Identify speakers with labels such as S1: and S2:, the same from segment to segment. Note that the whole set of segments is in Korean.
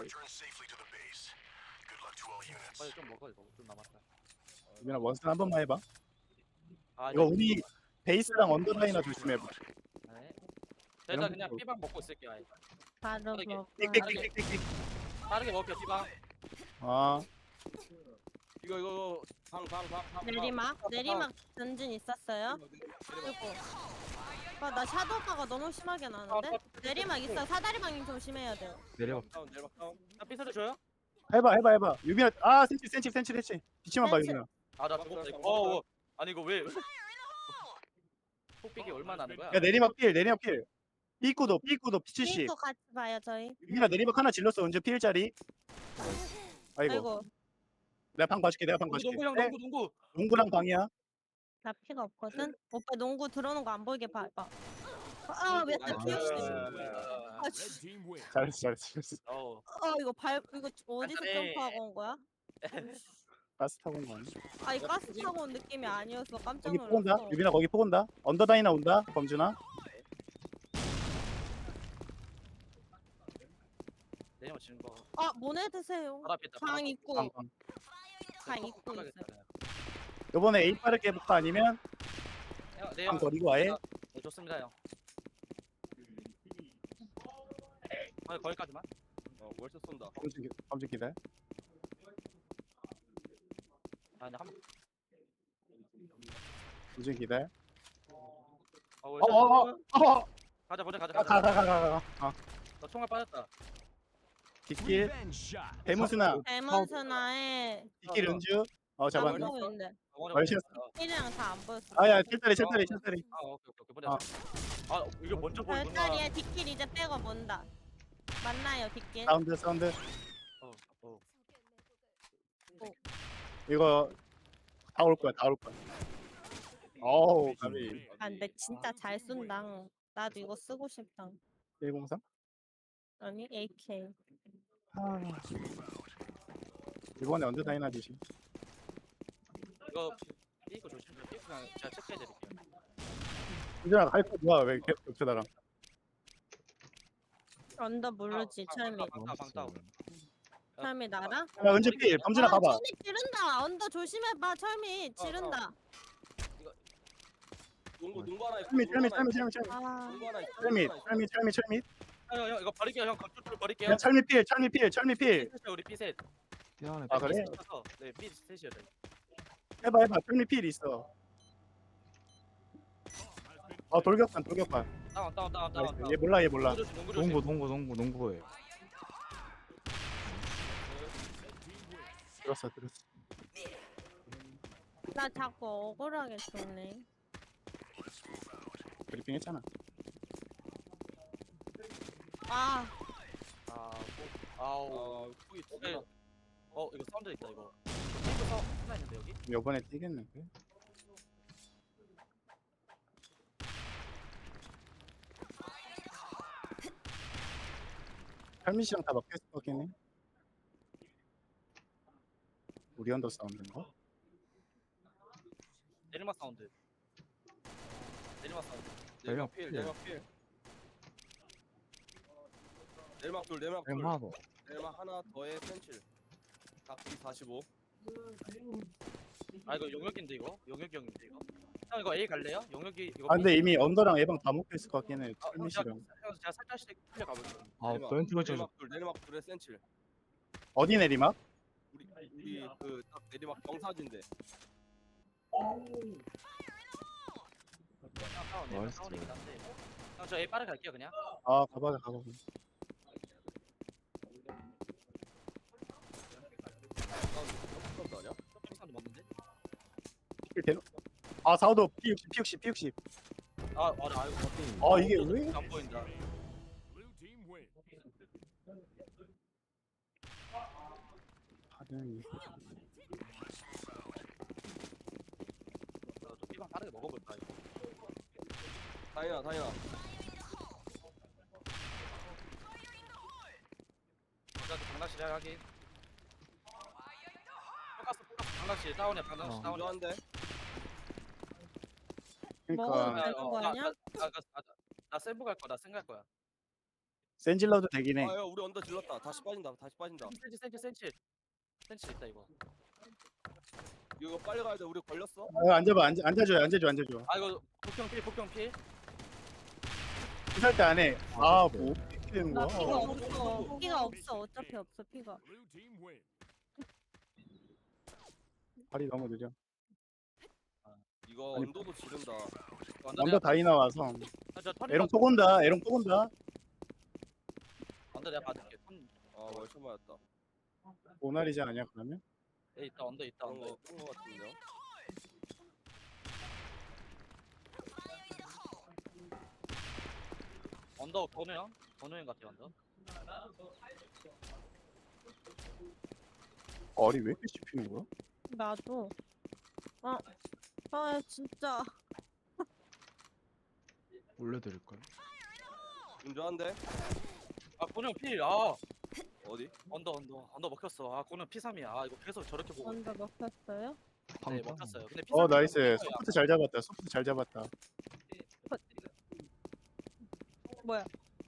S1: 빨리 좀 먹어 이거. 좀 남았다.
S2: 유빈아 원스 한 번만 해봐.
S1: 아
S2: 이거 우리 베이스랑 언더라인나 조심해봐.
S1: 네. 일단 그냥 삐방 먹고 있을게. 아예.
S3: 바로
S1: 빠르게.
S3: 먹어.
S2: 띡띡띡띡띡.
S1: 빠르게 먹을게 삐방.
S2: 아
S1: 이거
S3: 내리막 전진 있었어요? 그리고 나 샤도우파가 너무 심하게 나는데? 내리막 있어요. 사다리방님 조심해야 돼요.
S4: 내려.
S1: 다운. 나 삐서도 줘요?
S2: 해봐. 유빈아 센치. 비치만 봐
S3: 센치.
S2: 유빈아.
S1: 아나 죽었다 이거. 아니 이거 왜? 폭빅이 얼마나 나는 거야?
S2: 야 내리막 필. 삐꾸도 P70.
S3: 핑크 같이 봐요 저희.
S2: 유빈아 내리막 하나 질렀어. 언제 필짜리? 아이고.
S3: 아이고
S2: 내가 방 봐줄게.
S1: 농구 형
S2: 네,
S1: 농구.
S2: 농구랑 방이야.
S3: 나 피가 없거든? 오빠 농구 들어오는 거 안 보이게 봐봐. 왜 나 피었어?
S2: 잘했어.
S3: 이거 이거 어디서
S1: 안돼.
S3: 점프하고 온 거야?
S2: 가스 타고 온 거 아니야?
S3: 아니 가스 타고 온 느낌이 아니었어. 깜짝
S2: 거기 폭 온다.
S3: 놀랐어.
S2: 유빈아 거기 폭 온다. 언더다이나 온다. 범준아.
S1: 내년 지는 거.
S3: 모네 드세요.
S1: 바로 앞에 있다.
S3: 방 입구.
S2: 방.
S3: 방 입구 있어요.
S2: 요번에 A 빠르게 해볼까 아니면
S1: 네
S2: 방
S1: 형.
S2: 버리고 아예?
S1: 네 좋습니다 형. 거기까지만. 월세 쏜다.
S2: 범준 기다려.
S1: 아니 한.
S2: 범준 기다려.
S1: 월세. 가자 먼저 가자.
S2: 가.
S1: 너 총알 빠졌다.
S2: 뒷길. 대무스나.
S3: 데몬스나에
S2: 뒷길 은주. 잡았네.
S3: 안 보이는데.
S2: 월세.
S3: 1이랑 다 안 보였어.
S2: 아야 칠다리.
S1: 오케이 보자. 이게 먼저 보이구나.
S3: 별다리에 뒷길 이제 빼고 본다. 맞나요 뒷길?
S2: 사운드.
S1: 어.
S2: 이거 다 올 거야. 어우 가비.
S3: 근데 진짜 잘 쏜다. 나도 이거 쓰고 싶다.
S2: 103?
S3: 아니 AK.
S2: 이번에 언더다이나 주시.
S1: 이거 조심. 그냥 제가 체크해드릴게요.
S2: 이준아 할거 뭐야 왜 겹쳐 나랑?
S3: 언더 모르지 철미.
S1: 방따.
S3: 철미 나라?
S2: 야 은주 필. 범준아 가봐.
S3: 철미 지른다. 언더 조심해봐. 철미 지른다.
S1: 농구 하나 있어.
S2: 철미.
S1: 형 이거 버릴게요. 형 건축줄 버릴게요.
S2: 야 철미 필.
S1: 우리 피셋.
S4: 뛰어내.
S2: 아, 그래?
S1: 네, 피셋이요.
S2: 해봐. 철미 필 있어. 돌격판.
S1: 다운.
S2: 얘 몰라.
S1: 농구 조심.
S4: 농구에.
S2: 들었어.
S3: 나 자꾸 억울하게 죽네.
S2: 브리핑 했잖아.
S1: 폭이 두 개. 이거 사운드 있다 이거. 이거 하나 있는데 여기?
S2: 요번에 뛰겠는데? 철미 씨랑 다 먹혔을 것 같긴 해. 우리 언더 사운드인가?
S1: 내리막 사운드.
S4: 내리막
S1: 필. 내리막 둘.
S4: 하나 더.
S1: 내리막 하나 더해 센칠. 각기 45. 이거 용역인데 이거? 용역이 형인데 이거? 형 이거 A 갈래요? 용역이 이거.
S2: 근데 이미 언더랑 예방 다 먹혔을 것 같긴 해. 철미
S1: 제가
S2: 씨랑.
S1: 살짝씩 풀려 가볼게요.
S4: 벤트가 좀.
S1: 내리막 둘에 센칠.
S2: 어디 내리막?
S1: 우리 딱 내리막 경사진데.
S4: 나이스.
S1: 저 A 빠르게 갈게요 그냥.
S2: 가봐.
S1: 사운드 맞는데?
S2: 사우도 P60.
S1: 맞아. 이거
S2: 이게 왜?
S1: 안 보인다.
S2: 하등이.
S1: 좀 삐방 빠르게 먹어볼까 이거. 다이나. 나도 방낚시 하기. 포커스 방낚시 다운이야. 방낚시 다운인데.
S3: 먹어도
S2: 그러니까
S3: 되는 거 아니야?
S1: 나 세부 갈 거야. 나 생갈 거야.
S2: 센질러도 되긴 해.
S5: 아야 우리 언더 질렀다. 다시 빠진다.
S1: 센치 있다 이거.
S5: 이거 빨리 가야 돼. 우리 걸렸어.
S2: 앉아봐. 앉아줘요.
S1: 아 이거 복경 필.
S2: 피살 때 안 해. 아, 뭐 어떻게 되는
S3: 나
S2: 거야?
S3: 피가 없어. 피가 없어. 어차피 없어 피가.
S2: 발이 너무 느려.
S5: 이거
S2: 아니,
S5: 언더도 지른다.
S2: 언더 다이 나와서.
S1: 저
S2: 에롱 또 온다.
S1: 언더 내가 받을게.
S5: 아 월천 맞았다.
S2: 모나리자 아니야 그러면?
S1: 에 있다 언더 있다
S5: 그런
S1: 언더.
S5: 거 같은데요.
S1: 언더 건우형 같아 언더.
S2: 알이 왜 이렇게 씹히는 거야?
S3: 나도. 아 진짜.
S4: 올려드릴까요?
S5: 운전한데
S1: 아 건우형 필. 아
S5: 어디?
S1: 언더 먹혔어. 아 건우형 P3이야. 아 이거 계속 저렇게 보고.
S3: 먼저 먹혔어요?
S1: 네
S4: 방금
S1: 먹혔어요. 근데
S2: 어
S1: P3
S2: 나이스. 소프트 잘 잡았다.
S3: 뭐야?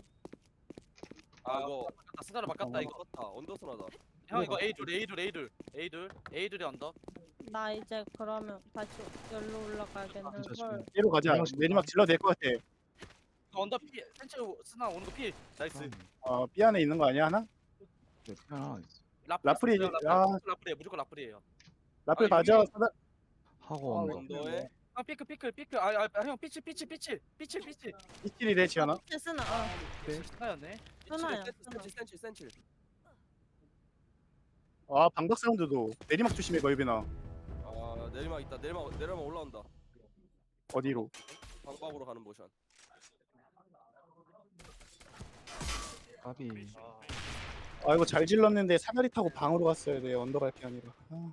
S5: 아 이거
S1: 스나를 바꿨다 이거.
S5: 떴다. 언더스나다.
S1: 형 이거 A둘이 언더.
S3: 나 이제 그러면 다시 여기로 올라가야겠는 걸.
S2: B로 가자. 내리막 질러 될것 같아.
S1: 이거 언더 P 센치 스나 오는 거 P. 나이스.
S2: B 안에 있는 거 아니야 하나?
S4: 네, 하나 있어.
S2: 라플이
S1: 라플이에요. 무조건 라플이에요.
S2: 라플
S1: 아,
S2: 가져.
S4: 하고 언더.
S5: 언더에
S1: 형 피클. 형 피치.
S2: 이킬이래 지연아.
S3: 쓰나?
S1: 스나였네.
S3: 쓰나야.
S5: 센칠.
S2: 아 방박 사운드도 내리막 조심해 걸비나.
S5: 아 내리막 있다. 내리막 올라온다.
S2: 어디로?
S5: 방박으로 가는 모션.
S4: 까비.
S2: 아 이거 잘 질렀는데 사다리 타고 방으로 갔어야 돼. 언더 갈 게 아니라.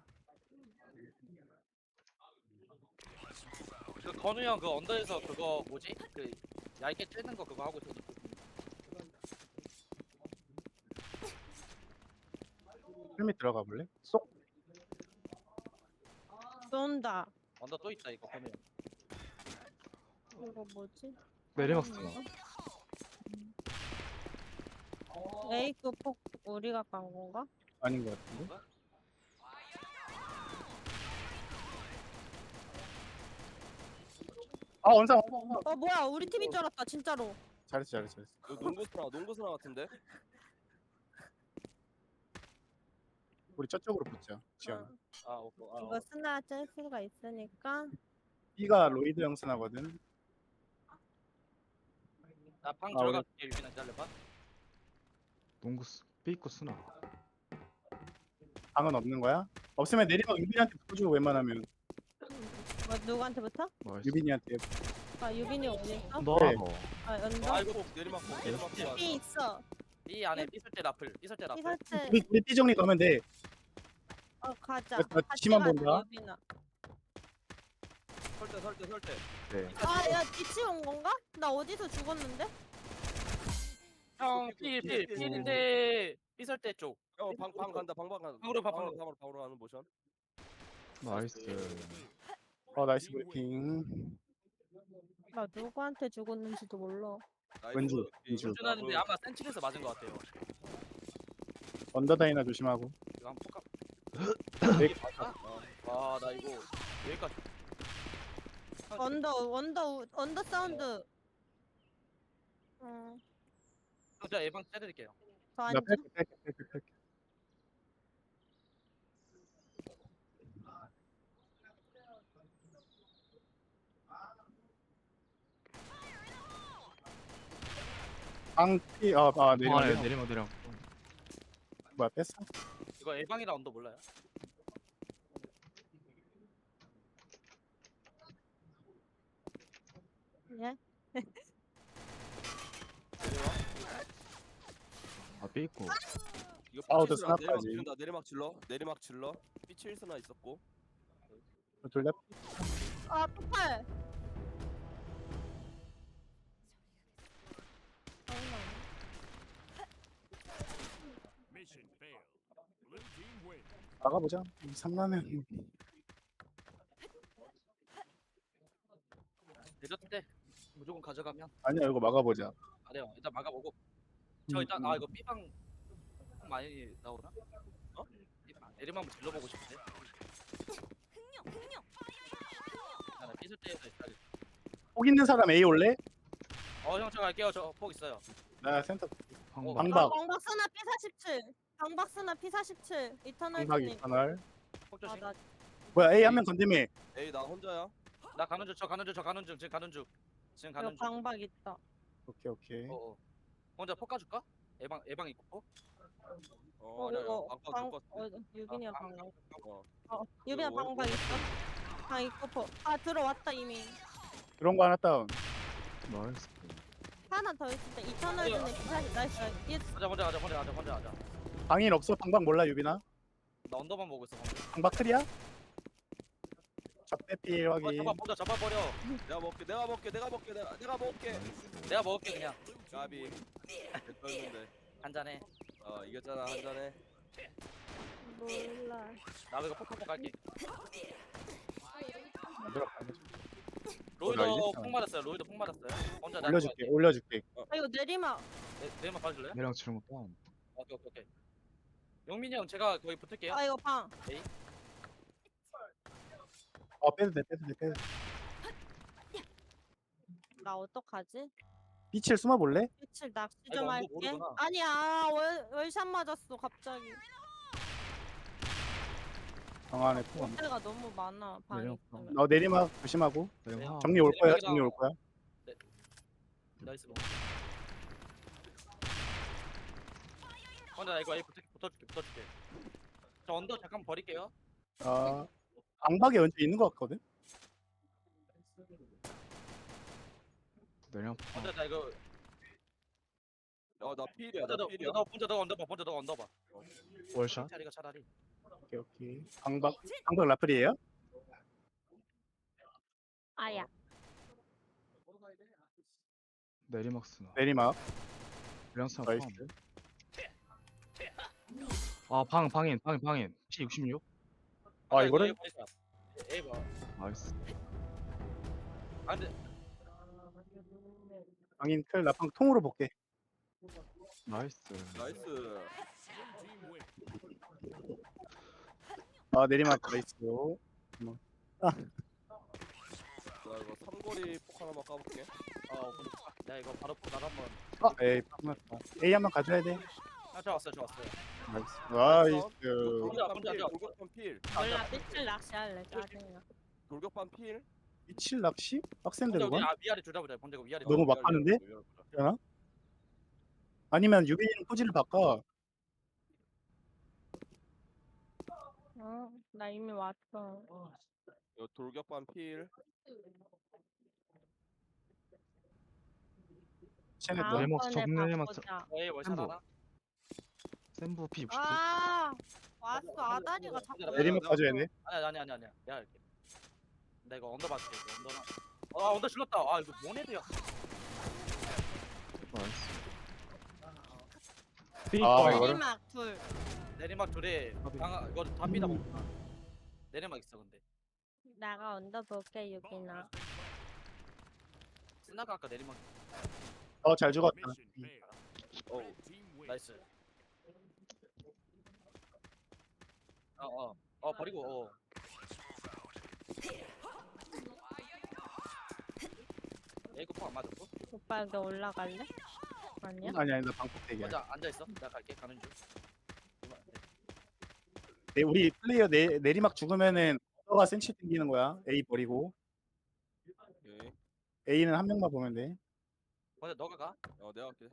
S1: 그 건우 형 그 언더에서 그거 뭐지? 그 얇게 찌는 거 그거 하고 있어.
S2: 헬멧 들어가 볼래? 쏙.
S3: 쏜다.
S1: 언더 또 있다 이거 건우 형.
S3: 이거 뭐지?
S4: 내리막 쓰나?
S3: 에이크 폭 우리가 간 건가?
S2: 아닌 것 같은데. 아 원상.
S3: 뭐야? 우리 팀인 줄 알았다. 진짜로.
S2: 잘했어.
S5: 이거 농구스나 같은데.
S2: 우리 저쪽으로 붙자. 지연.
S3: 이거 스나 짤 수가 있으니까.
S2: B가 로이드 형스나거든.
S1: 나방
S2: 아,
S1: 들어갈게 유빈아 잘려봐.
S4: 농구 삐고 쓰나?
S2: 방은 없는 거야? 없으면 내리막 유빈이한테 붙여주고 웬만하면.
S3: 뭐 누구한테부터?
S4: 나이스.
S2: 유빈이한테.
S3: 아 유빈이 어디 있어?
S4: 너.
S2: 네.
S3: 아 연도.
S5: 아이고 내리막
S3: B 있어.
S1: 이 안에 삐설 때 라플.
S3: 이설때.
S2: 우리 B 정리 가면 돼.
S3: 가자.
S2: 나
S3: 같이
S2: 뒤만
S3: 가자,
S2: 본다.
S3: 유빈아.
S5: 설대.
S4: 네.
S3: 야 뒤치 온 건가? 나 어디서 죽었는데?
S1: 형 필인데 삐설 때 쪽.
S5: 방 간다. 방방 간다.
S1: 방으로 가,
S5: 방으로 가는 모션.
S4: 나이스.
S2: 나이스 브리핑.
S3: 나 누구한테 죽었는지도 몰라.
S2: 왠지.
S1: 운전하는데 아마 센칠에서 맞은 것 같아요.
S2: 언더다이나 조심하고.
S1: 이거 한번 볼까?
S2: 네.
S1: 아나 이거 여기까지.
S3: 언더 사운드.
S1: 제가 예방 해드릴게요.
S3: 저
S2: 나
S3: 앉아.
S2: 뺄게. 방피 내리막.
S4: 내리막.
S2: 뭐야 뺐어?
S1: 이거 예방이라 언더 몰라요?
S3: 예?
S4: 아 삐고.
S5: 이거
S2: 아우도
S5: 피칠스나
S2: 스나까지.
S5: 내리막 질러. 피칠스나 있었고.
S2: 둘다
S3: 아 폭발.
S2: 나가보자. 3라면.
S1: 내렸을 때 무조건 가져가면
S2: 아니야 이거 막아보자.
S1: 안 돼요. 일단 막아보고 저 일단 이거 B방 많이 나오나? 어? 내리막 한번 질러보고 싶은데. 나 삐질 때에서 있다.
S2: 폭 있는 사람 A 올래?
S1: 형 저 갈게요. 저 폭 있어요.
S2: 나 센터
S4: 방박.
S2: 방박
S3: 방박스나 P47. 방박스나 P47. 이터널
S2: 방박
S3: 진입.
S2: 이터널.
S1: 폭 조심.
S3: 나
S2: 뭐야 A 한 명 건드미.
S5: 에이 나 혼자야.
S1: 나 가는 중. 저 가는 중. 지금 가는 중. 지금
S3: 이거
S1: 가는 중.
S3: 방박 있다.
S2: 오케이.
S1: 혼자 폭 가줄까? 예방 있고 폭?
S5: 아니야.
S3: 이거
S5: 방방 줬고.
S3: 유빈이가 방박.
S5: 어.
S3: 유빈아
S5: 이거
S3: 방박 있어? 방 있고 포. 들어왔다 이미.
S2: 그런 거 하나 다운.
S4: 나이스.
S3: 하나 더 있을 때 이터널 진입 P40. 나이스.
S1: 혼자 가자.
S2: 방인 없어. 방박 몰라 유빈아.
S1: 나 언더만 보고 있어. 방금.
S2: 방박 클이야? 적대필 확인.
S1: 잡아버려.
S5: 내가 먹게. 내가 먹게.
S1: 내가 먹을게 그냥.
S5: 까비. 됐었는데.
S1: 한 잔해.
S5: 이겼잖아 한 잔에.
S3: 몰라.
S1: 나 이거 폭 한번 갈게.
S2: 나
S1: 로이도
S2: 이겼잖아.
S1: 폭 맞았어요. 혼자 나
S2: 올려줄게.
S3: 이거 내리막.
S1: 내만 봐줄래요?
S4: 내랑 치는 거 다운.
S1: 오케이. 영민이 형 제가 거기 붙을게요.
S3: 이거 방.
S2: 빼도 돼.
S3: 나 어떡하지?
S2: 빛을 숨어볼래?
S3: 며칠 낚시
S1: 이거
S3: 좀
S1: 언더
S3: 할게.
S1: 모르구나.
S3: 아니야. 월샷 맞았어 갑자기.
S2: 방 안에 폭.
S3: 때가 너무 많아. 방이
S4: 내리막
S3: 있으면.
S2: 너 내리막 조심하고.
S4: 내랑
S2: 정리 올 거야.
S1: 내리막이랑-
S2: 정리 올 거야.
S1: 나이스. 혼자 나 이거 붙어줄게. 저 언더 잠깐 버릴게요.
S2: 방박에 왼쪽 있는 거 같거든.
S4: 내랑
S1: 혼자 나 이거
S5: 나 필이야.
S1: 혼자
S5: 나
S1: 너
S5: 필이야.
S1: 혼자 너 언더봐.
S4: 월샷.
S1: 차리가 차라리.
S2: 오케이. 방박 라플이에요?
S3: 아야.
S4: 내리막 쓰나.
S2: 내리막.
S4: 내랑 쓰나.
S2: 나이스.
S4: 방인. P66.
S2: 이거를
S1: 에이 봐.
S4: 나이스.
S1: 근데
S2: 방인 클 나방 통으로 볼게.
S4: 나이스.
S2: 내리막 나이스.
S5: 나 이거 삼거리 폭 하나만 까볼게.
S1: 내가 이거 바로 폭 나가면.
S2: 에이 방났다. A 한번 가져야 돼.
S1: 좋았어요.
S2: 나이스.
S5: 돌격반 필.
S3: 몰라. 며칠 낚시할래. 짜증나.
S5: 돌격반 필.
S2: 미칠 낚시? 빡센데
S1: 혼자
S2: 그건?
S1: 우리 위아래 둘다 보자. 혼자 위아래.
S2: 너무 막 하는데? 되나? 아니면 유빈이는 포즈를 바꿔.
S3: 나 이미 왔어.
S5: 이거 돌격반 필.
S2: 쟤네
S3: 다음
S2: 너
S4: 내리막
S3: 번에
S4: 정리해만
S3: 바꾸자.
S1: 에이 월샷
S4: 햄버.
S1: 하나.
S4: 센부 P69.
S3: 왔어. 아다리가 자꾸.
S2: 내리막 가져야 돼.
S1: 아니야. 내가 할게. 나 이거 언더 받을게. 언더 질렀다. 이거 모네드야.
S4: 나이스.
S2: 이거를-
S3: 내리막 둘.
S1: 내리막 둘에 이거 다 삐다 먹구나. 내리막 있어 근데.
S3: 나가 얹어볼게 유빈아.
S1: 스나가 아까 내리막.
S2: 잘 죽었다.
S1: 나이스. 버리고. 에이코 폭안 맞았고.
S3: 오빠 여기 올라갈래? 아니야?
S2: 아니야 나 방폭 대기야.
S1: 먼저 앉아 있어. 내가 갈게. 가는 중.
S2: 우리 플레이어 내리막 죽으면은 너가 센치 땡기는 거야. A 버리고.
S5: 오케이.
S2: A는 한 명만 보면 돼.
S1: 먼저 너가 가.
S5: 내가 할게.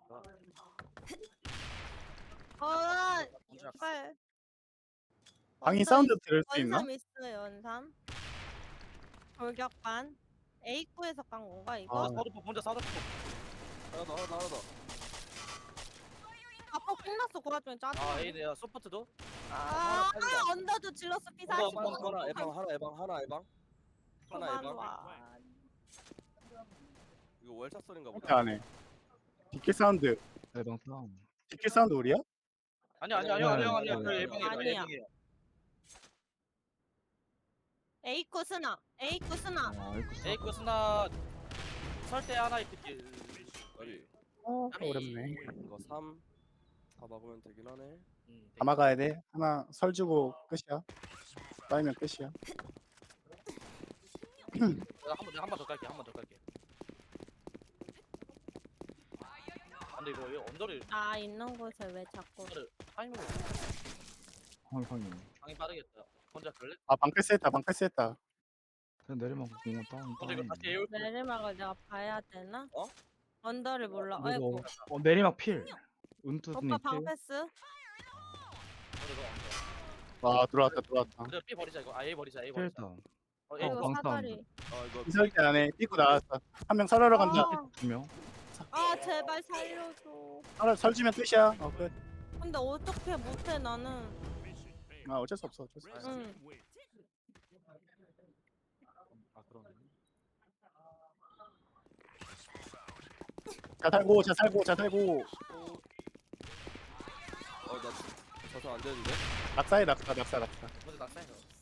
S1: 먼저
S3: 빨.
S2: 방인 사운드 들을 수 있나?
S3: 원삼 있어요. 원삼. 돌격반. A9에서 깐 건가 이거?
S1: 먼저 사도
S5: 하나 더.
S3: 아빠 끝났어. 그 와중에 짜증.
S1: 에이네야 소프트도.
S3: 언더도 질렀어.
S1: 언더,
S3: P40.
S1: 언더,
S5: 하나 에방. 하나 에방.
S3: 와.
S5: 이거 월샷 소린가
S2: 그렇게
S5: 보다.
S2: 안 해. 뒷길 사운드.
S4: 내방 다운.
S2: 뒷길 사운드 우리야?
S1: 아니야.
S5: 아니야.
S1: 그
S3: 아니야.
S1: 예방이에요.
S3: A9 스나. A9 스나.
S4: 아이쿠.
S1: 에이코 스나 설대 하나 있겠지.
S5: 아니.
S2: 어렵네.
S5: 이거 3. 다 막으면 되긴 하네.
S2: 다 막아야 돼. 하나 설 주고 끝이야. 쌓이면 끝이야.
S1: 내가 한 번 더 깔게. 한 번 더 깔게. 근데 이거 언더를
S3: 나 있는 곳에 왜 자꾸
S1: 타이밍을
S4: 황이.
S1: 방이 빠르겠다. 혼자 갈래?
S2: 아 방패스했다. 방패스했다.
S4: 그냥 내리막 공원 다운.
S1: 근데 이거 다시 에올
S3: 내리막을 내가 봐야 되나?
S5: 어?
S3: 언더를 몰라.
S4: 그리고
S3: 아이고.
S4: 내리막 필. 은투님
S3: 오빠
S4: 필.
S3: 방패스?
S2: 와 들어왔다. 들어왔다.
S1: 근데 B 버리자 이거. A 버리자. A 버리자.
S4: 필다운.
S1: A
S3: 그리고
S4: 방탄.
S3: 사다리.
S5: 이거
S2: 이설 때 안에 뛰고 나왔어. 한 명 설하러 간다.
S3: 아,
S4: 2명.
S3: 아 제발 살려줘.
S2: 설 주면 끝이야. 끝.
S3: 근데 어떻게 못해 나는.
S2: 아 어쩔 수 없어. 어쩔 수 없어.
S3: 응.
S1: 아 그러네.
S2: 자 살고 자 살고 자 살고.
S5: 나 저서 안 되는데.
S2: 낙사해 낙사.
S1: 먼저 낙사해.